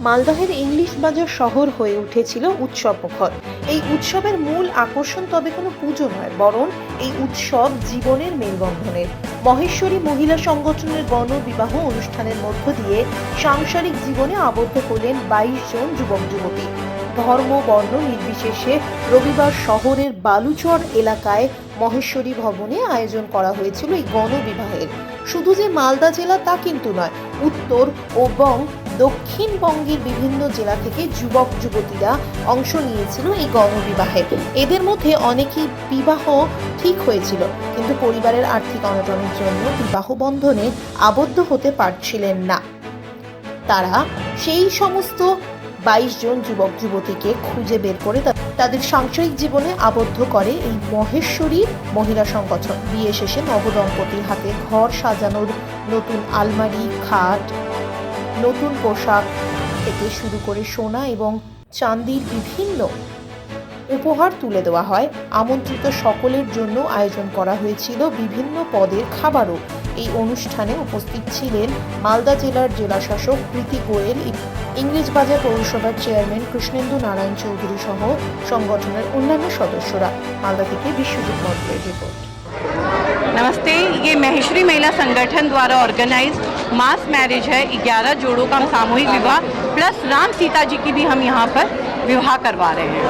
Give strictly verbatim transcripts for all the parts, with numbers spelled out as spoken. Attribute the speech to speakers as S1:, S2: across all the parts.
S1: মালদহের ইংলিশ বাজার শহর হয়ে উঠেছিল উৎসব মুখর। এই উৎসবের মূল আকর্ষণ তবে কোনো পুজো নয়, বরং এই উৎসব জীবনের মেলবন্ধনের। মহেশ্বরী মহিলা সংগঠনের গণবিবাহ অনুষ্ঠানের মধ্য দিয়ে সাংসারিক জীবনে আবদ্ধ হলেন বাইশ জন যুবক যুবতী। ধর্ম বর্ণ নির্বিশেষে রবিবার শহরের বালুচর এলাকায় মহেশ্বরী ভবনে আয়োজন করা হয়েছিল এই গণবিবাহের। শুধু যে মালদা জেলা তা কিন্তু নয়, উত্তর এবং দক্ষিণবঙ্গের বিভিন্ন জেলা থেকে যুবক যুবতীরা অংশ নিয়েছিল এই গণবিবাহে। এদের মধ্যে অনেকেই বিবাহ ঠিক হয়েছিল, কিন্তু পরিবারের আর্থিক অনটনের জন্য বিবাহ বন্ধনে আবদ্ধ হতে পারছিলেন না। তারা সেই সমস্ত বাইশ জন যুবক যুবতীকে খুঁজে বের করে তাদের সাংসারিক জীবনে আবদ্ধ করে এই মহেশ্বরী মহিলা সংগঠন। বিয়ে শেষে নবদম্পতির হাতে ঘর সাজানোর নতুন আলমারি, খাট, নতুন পোশাক থেকে শুরু করে সোনা এবং চাঁদির বিভিন্ন উপহার তুলে দেওয়া হয়। আমন্ত্রিত সকলের জন্য আয়োজন করা হয়েছিল বিভিন্ন পদের খাবারও। এই অনুষ্ঠানে উপস্থিত ছিলেন মালদা জেলার জেলাশাসক প্রীতি গোয়েল, ইংলিশ বাজার পৌরসভার চেয়ারম্যান কৃষ্ণেন্দু নারায়ণ চৌধুরী সহ সংগঠনের অন্যান্য সদস্যরা। মালদা থেকে বিশ্বজিৎ মন্ডলের রিपोर्ट।
S2: नमस्ते, ये महेश्वरी महिला संगठन द्वारा ऑर्गेनाइज मास मैरिज है। ग्यारह जोड़ों का सामूहिक विवाह प्लस राम सीता जी की भी हम यहाँ पर विवाह करवा रहे हैं।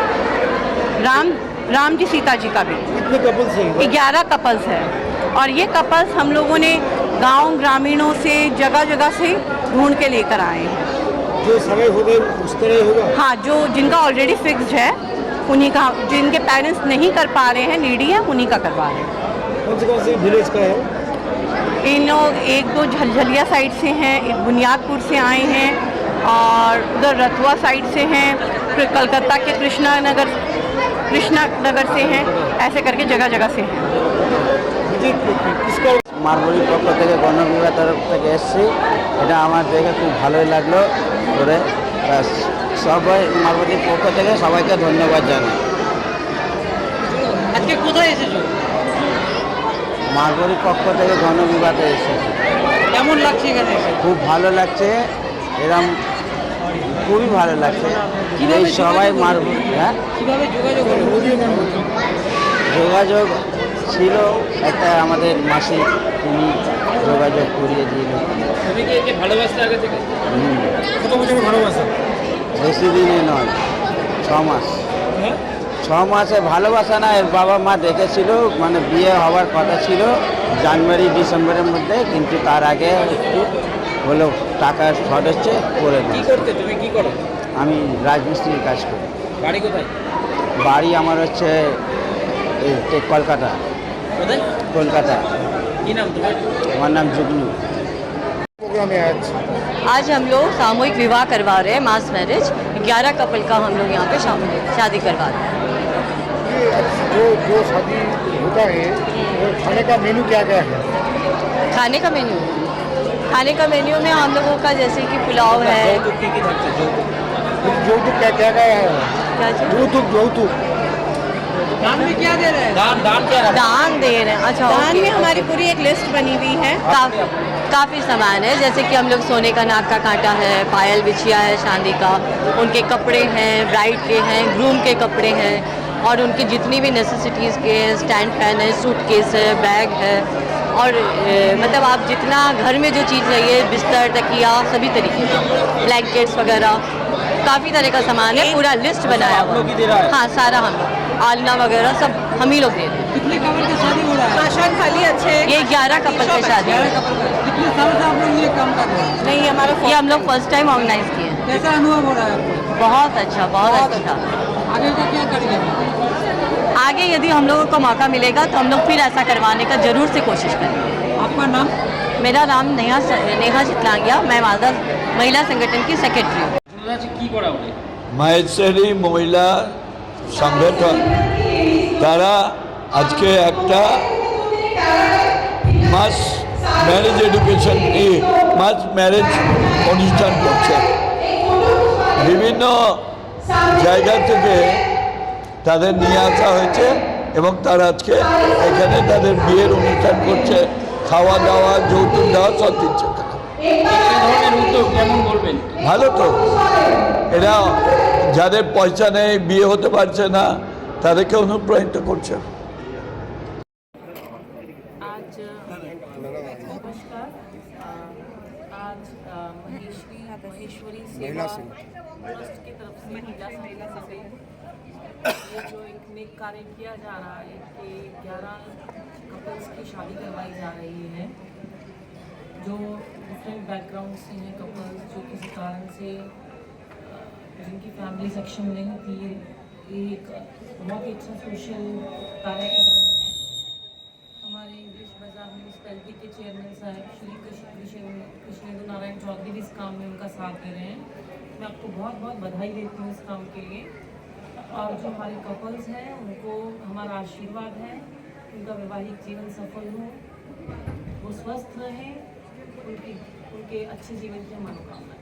S2: राम राम जी सीता जी का भी
S3: कितने कपल्स हैं?
S2: ग्यारह कपल्स है और ये कपल्स हम लोगों ने गांव ग्रामीणों से जगह जगह से ढूंढ के लेकर आए हैं।
S3: जो समय होगा उस तरह होगा।
S2: हाँ, जो जिनका ऑलरेडी फिक्स्ड है उन्हीं का, जिनके पेरेंट्स नहीं कर पा रहे हैं, नीडी है, उन्हीं का करवा रहे हैं।
S3: कौन से कौन से विलेज का है?
S2: इन लोग एक दो झलझलिया साइड से हैं, एक बुनियादपुर से आए हैं और उधर रतुआ साइड से हैं, फिर कलकत्ता के कृष्णा नगर कृष्णा नगर से हैं, ऐसे करके जगह जगह से हैं।
S4: মারবরি পক্ষ থেকে গণবিবাহ তরফ থেকে এসেছি। এটা আমার দেখে খুব ভালোই লাগলো করে। সবাই মারবরির পক্ষ থেকে সবাইকে ধন্যবাদ জানাই।
S5: আজকে কোথায় এসেছো?
S4: মারবরির পক্ষ থেকে গণবিবাহতে এসেছি।
S5: কেমন লাগছে এখানে এসে?
S4: খুব ভালো লাগছে, এরম খুবই ভালো লাগছে।
S5: কিভাবে
S4: এই সবাই মারবরি, হ্যাঁ
S5: কিভাবে যোগাযোগ হলো?
S4: যোগাযোগ ছিল একটা আমাদের মাসি, তিনি যোগাযোগ করিয়ে দিল।
S5: তুমি কি একে ভালোবাসতে আগে থেকে?
S4: হুম,
S3: কত বছর ভালোবাসা?
S4: বেশি দিনে নয়, ছ মাস।
S5: হ্যাঁ?
S4: ছ মাসে ভালোবাসা না, এর বাবা মা দেখেছিল, মানে বিয়ে হওয়ার কথা ছিল জানুয়ারি ডিসেম্বরের মধ্যে, কিন্তু তার আগে একটু হলো টাকার শর্ট হচ্ছে করে
S5: কি
S4: দিই।
S5: করতে, তুমি কি করো?
S4: আমি রাজমিস্ত্রির কাজ করি।
S5: বাড়ি কোথায়?
S4: বাড়ি আমার হচ্ছে এই যে কলকাতা।
S5: কোথায়?
S4: কলকাতা।
S5: কি নাম তোমার?
S4: আমার নাম जुगनू।
S3: प्रोग्राम है आज।
S6: आज हम लोग सामूहिक विवाह करवा रहे हैं, मास मैरिज। ग्यारह कपल का हम लोग यहाँ पे शामिल शादी करवा रहे हैं।
S3: ये जो जो शादी होता है वो खाने का मेनू क्या क्या है?
S6: खाने का मेन्यू खाने का मेन्यू में हम लोगों का जैसे कि पुलाव है।
S5: যৌতুক কি কি থাকছে? যৌতুক
S3: যৌতুক क्या क्या है?
S6: क्या चीज़?
S3: যৌতুক যৌতুক
S5: दान में क्या दे रहे हैं? दान दान क्या रहा?
S6: दान दे रहे हैं। अच्छा,
S2: दान
S6: ओके,
S2: में हमारी
S6: ओके।
S2: पूरी एक लिस्ट बनी हुई है।
S6: काफी काफ़ी सामान है, जैसे कि हम लोग सोने का नाक का कांटा है, पायल बिछिया है चांदी का, उनके कपड़े हैं, ब्राइड के हैं, ग्रूम के कपड़े हैं, और उनकी जितनी भी नेसेसिटीज़ के स्टैंड फैन है, सूट केस है, बैग है, और ए, मतलब आप जितना घर में जो चीज़ चाहिए, बिस्तर तकिया सभी तरीके का, ब्लैंकेट्स वगैरह काफ़ी तरह का सामान है। पूरा लिस्ट बनाया हुआ है। हाँ, सारा हम लोग, आलना वगैरह सब हम ही लोग दे रहे हैं।
S5: कितने कपल की शादी हो रहा है?
S2: आशान खाली अच्छे
S6: ये ग्यारह कपल की शादी है।
S5: ग्यारह कपल का। कितने साल से आप लोग ये काम कर रहे हैं?
S2: नहीं, हमारा
S6: ये हम लोग फर्स्ट टाइम ऑर्गेनाइज किए हैं।
S5: कैसा अनुभव हो रहा है आपको?
S6: बहुत अच्छा, बहुत अच्छा।
S5: आगे का क्या करेंगे?
S6: आगे यदि हम लोगों को मौका मिलेगा तो हम लोग फिर ऐसा करवाने का जरूर से कोशिश करेंगे।
S5: आपका नाम?
S6: मेरा नाम नेहा नेहा चितलांगिया, मैं मालदा महिला संगठन की सेक्रेटरी हूँ।
S5: কি করা হবে?
S7: মহেশ্বরী মহিলা সংগঠন তারা আজকে একটা মাস ম্যারেজ এডুকেশন নিয়ে মাস ম্যারেজ অনুষ্ঠান করছে। বিভিন্ন জায়গা থেকে তাদের নিয়ে আসা হয়েছে এবং তারা আজকে এখানে তাদের বিয়ের অনুষ্ঠান করছে। খাওয়া দাওয়া, যৌতুক দেওয়া সব দিচ্ছে।
S5: এই ধরনের উদ্যোগ কেমন বলবেন?
S7: ভালো তো, এরা যাদের পয়সা নেই, বিয়ে হতে পারছে না, তাদেরকে অনুপ্রাণিত করছে।
S8: आज नमस्कार अ, आज अ, महेश्वरी महेश्वरी सेवा ट्रस्ट की तरफ से महिला महिला से ये जो एक नेक कार्य किया जा रहा है कि ग्यारह कपल्स की शादी करवाई जा रही है जो डिफरेंट बैकग्राउंड से हैं कपल्स, जो किसी कारण से अ, जिनकी फैमिली सक्षम नहीं थी। ये एक बहुत ही अच्छा सोशल कार्य कर रहे हैं। हमारे इंग्लिश बाजार म्यूनसिपैलिटी के चेयरमैन साहब श्री कृष्णेंदु नारायण चौधरी भी इस काम में उनका साथ दे रहे हैं। मैं आपको बहुत बहुत बधाई देती हूँ इस काम के लिए। और जो हमारे कपल्स हैं उनको हमारा आशीर्वाद है, उनका वैवाहिक जीवन सफल हो, वो स्वस्थ रहें, उनकी उनके अच्छे जीवन की मनोकामना।